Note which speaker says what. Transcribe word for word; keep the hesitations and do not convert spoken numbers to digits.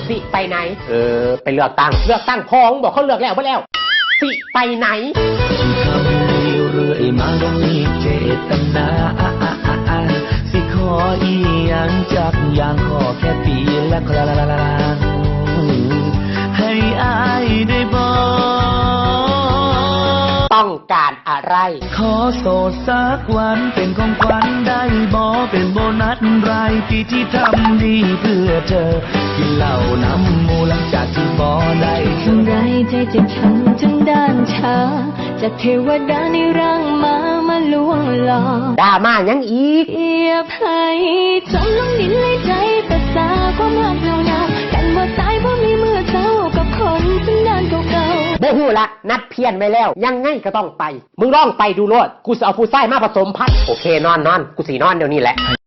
Speaker 1: สิไปไหนเออไปเลือกตั้งเลือกตั้งพองบอกเขาเลือกแล้วบ่แล้วสิไปไหน
Speaker 2: ทำดีเรื่อยมาบ่มีเจตนาสิขออีหยังจากอย่างขอแค่ปีละครั้งให้อายได้บอก
Speaker 1: ต้องการอะไร
Speaker 2: ขอโสดสักวันเป็นของขวัญได้บ่เป็นโบนัสรายปีที่ทำดีเพื่อเธอกินเหล้าน้ำมูหลังจากที่บ่ได้เท่าไร
Speaker 3: ใจเจ็บช้ำจนด้านชาจากเทวดาในร่างมามาลวงหลอก
Speaker 1: ด่ามายังอีก
Speaker 3: เอียบให้จมลงดินเลยใจภาษาความรักเหล่านากันว่าตายเพราะมีมือเจ้ากับคนสันดานเก่า
Speaker 1: ๆบ่ฮู้ละนัดเพี้ยนไว้แล้วยังไงก็ต้องไปมึงลองไปดูโลดกูจะเอาผู้ชายมาผสมพันธุ์โอเคนอนนอนกูสินอนเดี๋ยวนี้แหละ